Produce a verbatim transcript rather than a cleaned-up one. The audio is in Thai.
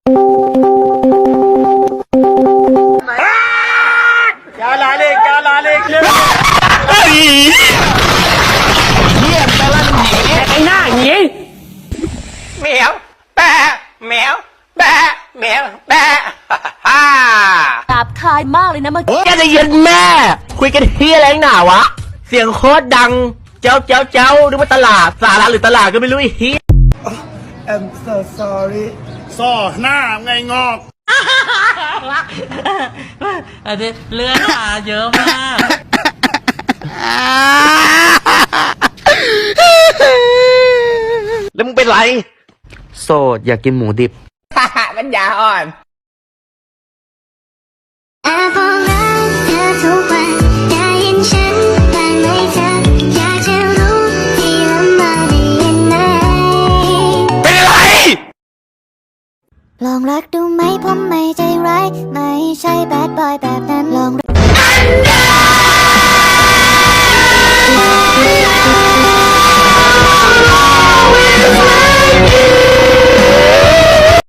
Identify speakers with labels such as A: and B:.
A: क्या लाले क्या लालेเฮียตะลั่นหนีไอ้หน้าหนีแมวแปะแมวแปะแมวแปะฮ่า
B: หยาบคายมากเลยนะเมื่อกี้
A: แกจะย็นแม่คุยกันเฮียอะไรหนาวะเสียงโคตรดังเจ้าเจ้าเจ้าหรือว่าตลาดสาระหรือตลาดก็ไม่รู้ไอ้เฮีย
C: I'm so sorry
D: ซ่อหน้าไงงอก
E: อันนี้เลือดมาเยอะมาก
A: แล้วมึงเป็นไรโสดอยากกินหมูดิบปัญญาอ่อน
F: แอบบอกรักเธอทุกวันได้ยินฉันบ้างไหมเธออยากจะรู้ที่ลำบากได้ยินไหม
A: เป็นอะไร
F: ลองรักดูไหมผมไม่ใจร้ายไม่ใช่แบดบอยแบบ